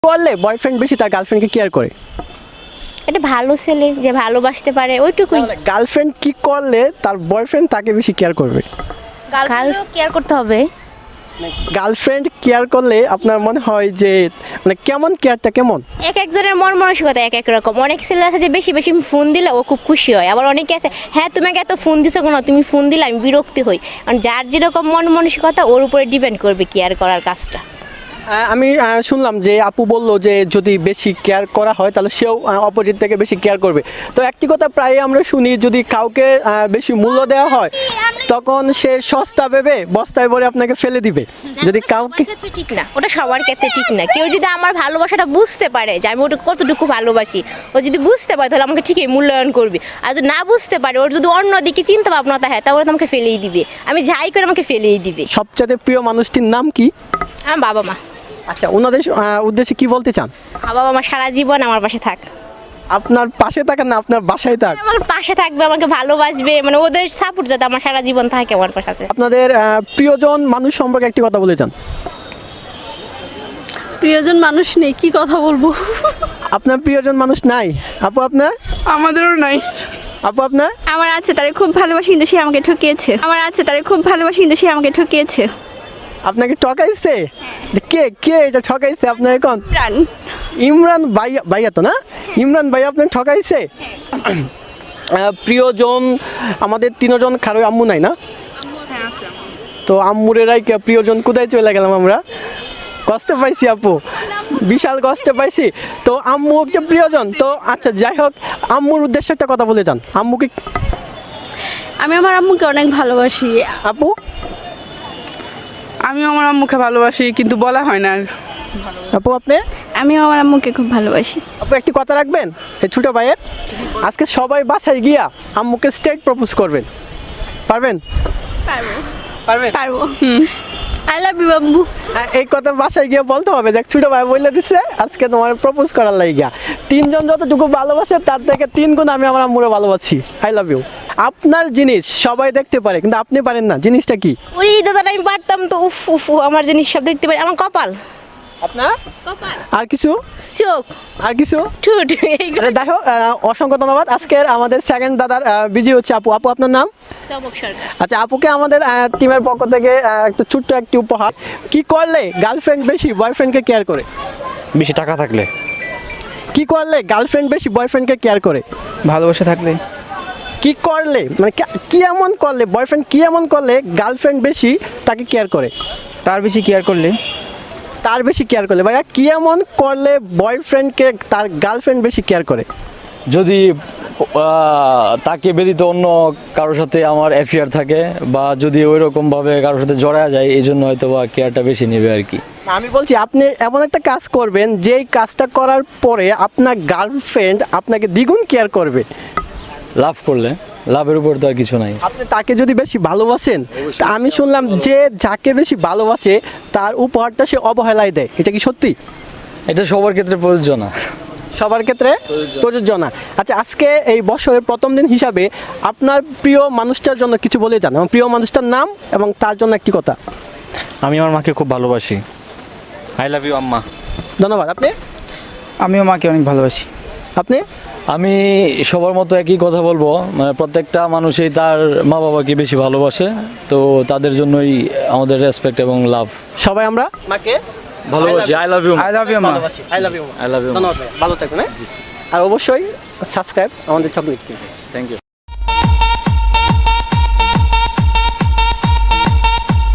করলে বয়ফ্রেন্ড বেশি তার গার্লফ্রেন্ডকে কেয়ার করে? এটা ভালো ছেলে যে ভালোবাসতে পারে ওইটুকুই। গার্লফ্রেন্ড কি করলে তার বয়ফ্রেন্ড তাকে বেশি কেয়ার করবে? গার্লফ্রেন্ডও কেয়ার করতে হবে। গার্লফ্রেন্ড কেয়ার করলে আপনার মনে হয় যে মানে কেমন কেয়ারটা কেমন? এক একজনের মন মানসিকতা এক এক রকম। অনেক ছেলে আছে যে বেশি বেশি ফোন দিলে ও খুব খুশি হয়, আবার অনেকে আছে হ্যাঁ তোমাকে এত ফোন দিছো কেন, তুমি ফোন দিলে আমি বিরক্তি হই। কারণ যার যেরকম মন মানসিকতা ওর উপরে ডিপেন্ড করবে কেয়ার করার কাজটা। আমি শুনলাম যে আপু বললো যে যদি বেশি কেয়ার করা হয় তাহলে সেও অপোজিট থেকে বেশি কেয়ার করবে। তো একটি কথা প্রায় আমরা শুনি, যদি কাউকে বেশি মূল্য দেওয়া হয় তখন সে সস্তা ভেবে বস্তায় ভরে আপনাকে ফেলে দিবে। যদি কাউকে ঠিক না, ওটা সবার ক্ষেত্রে ঠিক না। কেউ যদি আমার ভালোবাসাটা বুঝতে পারে যে আমি ওটা কতটুকু ভালোবাসি, ও যদি বুঝতে পারে তাহলে আমাকে ঠিকই মূল্যায়ন করবে। আর যদি না বুঝতে পারে, ওর যদি অন্যদিকে চিন্তা ভাবনা থাকে তাহলে তো আমাকে ফেলেই দিবে। আমি যাই করে আমাকে ফেলেই দিবে। সবচেয়ে প্রিয় মানুষটির নাম কি? আমার বাবা মা। আচ্ছা, ওনাদের উদ্দেশ্যে কি বলতে চান? আমার বাবা মা সারা জীবন আমার পাশে থাক। আপনার পাশে থাকেন না আপনার বাসায় থাক? আমার পাশে থাকবে, আমাকে ভালোবাসবে, মানে ওদের সাপোর্ট যাতে আমার সারা জীবন থাকে আমার পাশে। আপনাদের প্রিয়জন মানুষ সম্পর্কে একটি কথা বলে যান। প্রিয়জন মানুষ নেই, কি কথা বলবো? আপনার প্রিয়জন মানুষ নাই? আপু আপনার? আমাদেরও নাই। আপু আপনার? আমার আছে, তারে খুব ভালোবাসি কিন্তু সে আমাকে ঠকিয়েছে। আমার আছে, তারে খুব ভালোবাসি কিন্তু সে আমাকে ঠকিয়েছে। আপনাকে ঠকাইছে? কে কে এটা ঠকাইছে আপনার? এখন প্রাণ ইমরান ভাইয়া, ভাইয়া তো না? ইমরান ভাইয়া আপনাকে ঠকাইছে? প্রিয়জন আমাদের তিনজন, কারো আম্মু নাই না? তো আম্মুরেরাই প্রিয়জন কোথায় চলে গেলাম আমরা? কষ্ট পাইছি আপু, বিশাল কষ্ট পাইছি। তো আম্মু একটা প্রিয়জন। তো আচ্ছা যাই হোক, আম্মুর উদ্দেশ্যে একটা কথা বলে যান। আম্মুকে আমি আমার আম্মুকে অনেক ভালোবাসি। আপু? আমি আমার আম্মুকে ভালোবাসি কিন্তু বলা হয় না। আপু আপনি? আমিও আমার আম্মুকে খুব ভালোবাসি। আপু একটি কথা রাখবেন এই ছোট ভাইয়ের, আজকে সবাই বাসায় গিয়া আম্মুকে স্ট্রেট প্রপোজ করবেন, পারবেন? পারবো পারবেন? পারবো। আই লাভ ইউ আম্মু। এই কথা বাসায় গিয়ে বলতে হবে, দেখ ছোট ভাই বলে দিচ্ছে আজকে তোমার প্রপোজ করার লাগিয়া। তিনজন যতটুকু ভালোবাসে তার থেকে 3 গুণ আমি আমার আম্মুরে ভালোবাসি। I love you. আপনার জিনিস সবাই দেখতে পারে কিন্তু আপনি পারেন না, জিনিসটা কি? ওরে দাদা, আমি পারতাম তো। উফ উফ, আমার জিনিস সব দেখতে পারি। আমার কপাল। আপনার? কপাল, আর কিছু? চোখ, আর কিছু? ঠোঁট, এইগুলো। দেখো, অসংখ্য ধন্যবাদ। আজকের আমাদের সেকেন্ড দাদার বিজি হচ্ছে আপু। আপু আপনার নাম? চমক সরকার। আচ্ছা, আপুকে আমাদের টিমের পক্ষ থেকে একটা ছোট্ট একটি উপহার। কি করলে গার্লফ্রেন্ড বেশি বয়ফ্রেন্ডকে কেয়ার করে? বেশি টাকা থাকলে। কি করলে গার্লফ্রেন্ড বেশি বয়ফ্রেন্ডকে কেয়ার করে? ভালোবাসা থাকলে। কি করলে মানে কি এমন করলে বয়ফ্রেন্ড, কি এমন করলে গার্লফ্রেন্ড বেশি তাকে কেয়ার করে? তার বেশি কেয়ার করলে। তার বেশি কেয়ার করলে। ভাইয়া কি এমন করলে বয়ফ্রেন্ডকে তার গার্লফ্রেন্ড বেশি কেয়ার করে? যদি তাকে ব্যতীত অন্য কারোর সাথে আমার অ্যাফেয়ার থাকে বা যদি ওই রকমভাবে কারোর সাথে জড়া যায়, এই জন্য হয়তো বা কেয়ারটা বেশি নেবে আর কি। আমি বলছি আপনি এমন একটা কাজ করবেন যেই কাজটা করার পরে আপনার গার্লফ্রেন্ড আপনাকে দ্বিগুণ কেয়ার করবে। লাভ করলে, লাভের উপর তো আর কিছু নাই। আপনি তাকে যদি বেশি ভালোবাসেন, তা আমি শুনলাম যে যাকে বেশি ভালোবাসে তার উপহারটা সে অবহেলায় দেয়, এটা কি সত্যি? এটা সবার ক্ষেত্রে প্রযোজ্য না। সবার ক্ষেত্রে প্রযোজ্য না। আচ্ছা, আজকে এই বছরের প্রথম দিন হিসাবে আপনার প্রিয় মানুষটার জন্য কিছু বলে যান, এবং প্রিয় মানুষটার নাম এবং তার জন্য একটি কথা। আমি আমার মাকে খুব ভালোবাসি। আই লাভ ইউ আম্মা। ধন্যবাদ। আপনি? আমিও মাকে অনেক ভালোবাসি। আপনি? আমি সবার মতো একই কথা বলবো, মানে প্রত্যেকটা মানুষই তার মা বাবাকে বেশি ভালোবাসে, তো তাদের জন্যই আমাদের রেসপেক্ট এবং লাভ। সবাই আমরা মাকে ভালোবাসি। I love you. I love you আম্মা। ভালোবাসি। I love you. I love you. ধন্যবাদ ভাই, ভালো থাকবেন। আর অবশ্যই সাবস্ক্রাইব আমাদের চকলেট টিভি। Thank you.